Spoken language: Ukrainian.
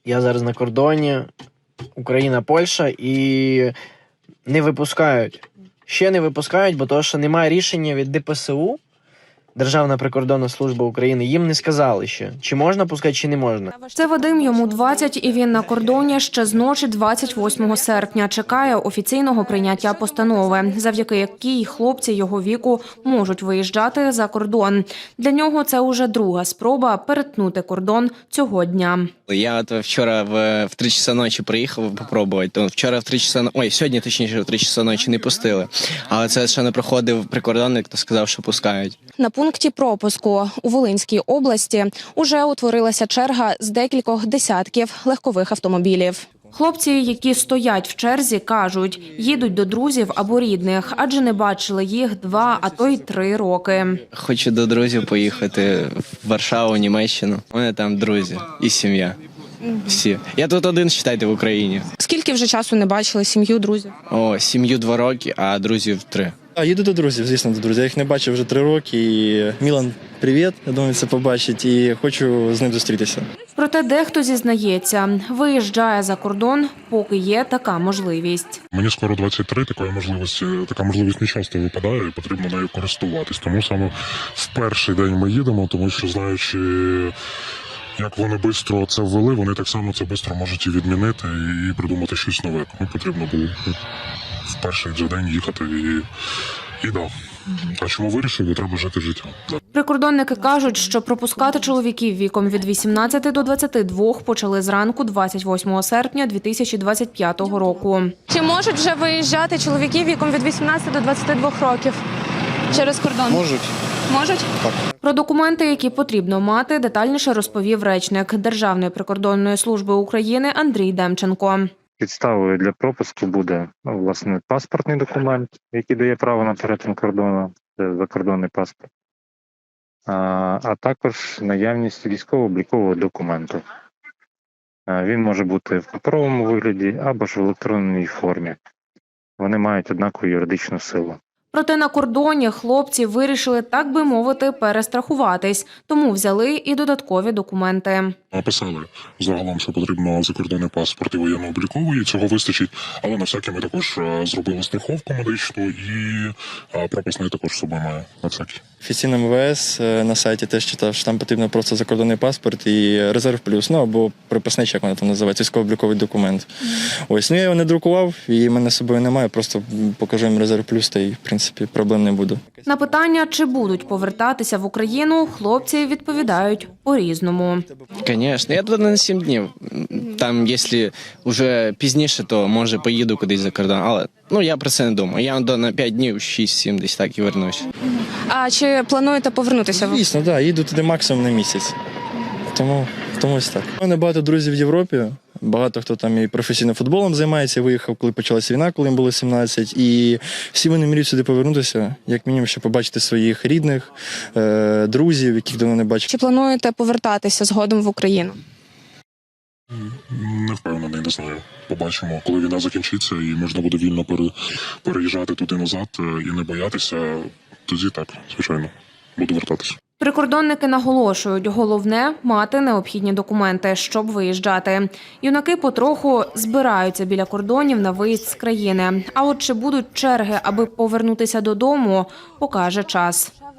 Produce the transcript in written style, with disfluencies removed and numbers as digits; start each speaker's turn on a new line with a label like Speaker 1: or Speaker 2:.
Speaker 1: Я зараз на кордоні, Україна-Польща, і не випускають. Ще не випускають, бо того, що немає рішення від ДПСУ, Державна прикордонна служба України, їм не сказали ще, чи можна пускати, чи не можна.
Speaker 2: Це Вадим, йому 20, і він на кордоні ще з ночі 28 серпня. Чекає офіційного прийняття постанови, завдяки якій хлопці його віку можуть виїжджати за кордон. Для нього це уже друга спроба перетнути кордон цього дня.
Speaker 3: Я от вчора в 3 часа ночі приїхав попробувати. То вчора в 3 часа, сьогодні точніше в 3 часа ночі не пустили. Але це ще не проходив прикордонник, то сказав, що пускають.
Speaker 2: На пункті пропуску у Волинській області уже утворилася черга з декількох десятків легкових автомобілів. Хлопці, які стоять в черзі, кажуть, їдуть до друзів або рідних, адже не бачили їх 2, а то й 3 роки.
Speaker 3: Хочу до друзів поїхати в Варшаву, Німеччину. У мене там друзі і сім'я. Всі. Я тут один, вважайте, в Україні.
Speaker 2: Скільки вже часу не бачили сім'ю, друзів?
Speaker 3: Сім'ю 2 роки, а друзів 3.
Speaker 4: Їду до друзів, звісно, до друзів. Я їх не бачив вже 3 роки. І Мілан, привіт, я думаю, це побачить. І хочу з ним зустрітися.
Speaker 2: Проте дехто зізнається, виїжджає за кордон, поки є така можливість.
Speaker 5: Мені скоро 23, така можливість не часто випадає, і потрібно нею користуватись. Тому саме в перший день ми їдемо, тому що, знаючи, як вони швидко це ввели, вони так само це швидко можуть і відмінити, і придумати щось нове. Тому потрібно було в перший же день їхати і да. А чому вирішили? Треба жити життя.
Speaker 2: Прикордонники кажуть, що пропускати чоловіків віком від 18 до 22 почали зранку 28 серпня 2025 року.
Speaker 6: Чи можуть вже виїжджати чоловіки віком від 18 до 22 років через кордон?
Speaker 4: Можуть.
Speaker 6: Можуть?
Speaker 2: Про документи, які потрібно мати, детальніше розповів речник Державної прикордонної служби України Андрій Демченко.
Speaker 7: Підставою для пропуску буде, власне, паспортний документ, який дає право на перетин кордону, це закордонний паспорт, а також наявність військово-облікового документу. Він може бути в паперовому вигляді або ж в електронній формі. Вони мають однакову юридичну силу.
Speaker 2: Проте на кордоні хлопці вирішили, так би мовити, перестрахуватись, тому взяли і додаткові документи.
Speaker 5: Написали загалом, що потрібно закордонний паспорт і воєнно-обліковий, цього вистачить. Але на всякий ми також зробили страховку медичну і пропуск також з собою має на всякий.
Speaker 4: Офіційно МВС на сайті теж читав, що там потрібно просто закордонний паспорт і резерв плюс, або приписний, як вона там називається, військово-обліковий документ. Я його не друкував, і в мене з собою немає, просто покажу їм резерв плюс, та й, в принципі, проблем не буде.
Speaker 2: На питання, чи будуть повертатися в Україну, хлопці відповідають по-різному.
Speaker 3: Звісно, я туди на 7 днів. Там, якщо вже пізніше, то, може, поїду кудись за кордон. Але я про це не думаю. Я на 5 днів, 6-7 десь так і вернусь.
Speaker 6: А чи плануєте повернутися?
Speaker 4: Звісно, так, їду туди максимум на місяць. Тому ось так. У мене багато друзів в Європі. Багато хто там і професійним футболом займається, виїхав, коли почалася війна, коли їм було 17. І всі вони мріють сюди повернутися, як мінімум, щоб побачити своїх рідних, друзів, яких давно не бачив.
Speaker 6: Чи плануєте повертатися згодом в Україну?
Speaker 5: Не впевнений, не знаю. Побачимо, коли війна закінчиться і можна буде вільно переїжджати туди назад і не боятися, тоді так, звичайно, буду вертатися.
Speaker 2: Прикордонники наголошують, головне – мати необхідні документи, щоб виїжджати. Юнаки потроху збираються біля кордонів на виїзд з країни. А от чи будуть черги, аби повернутися додому, покаже час.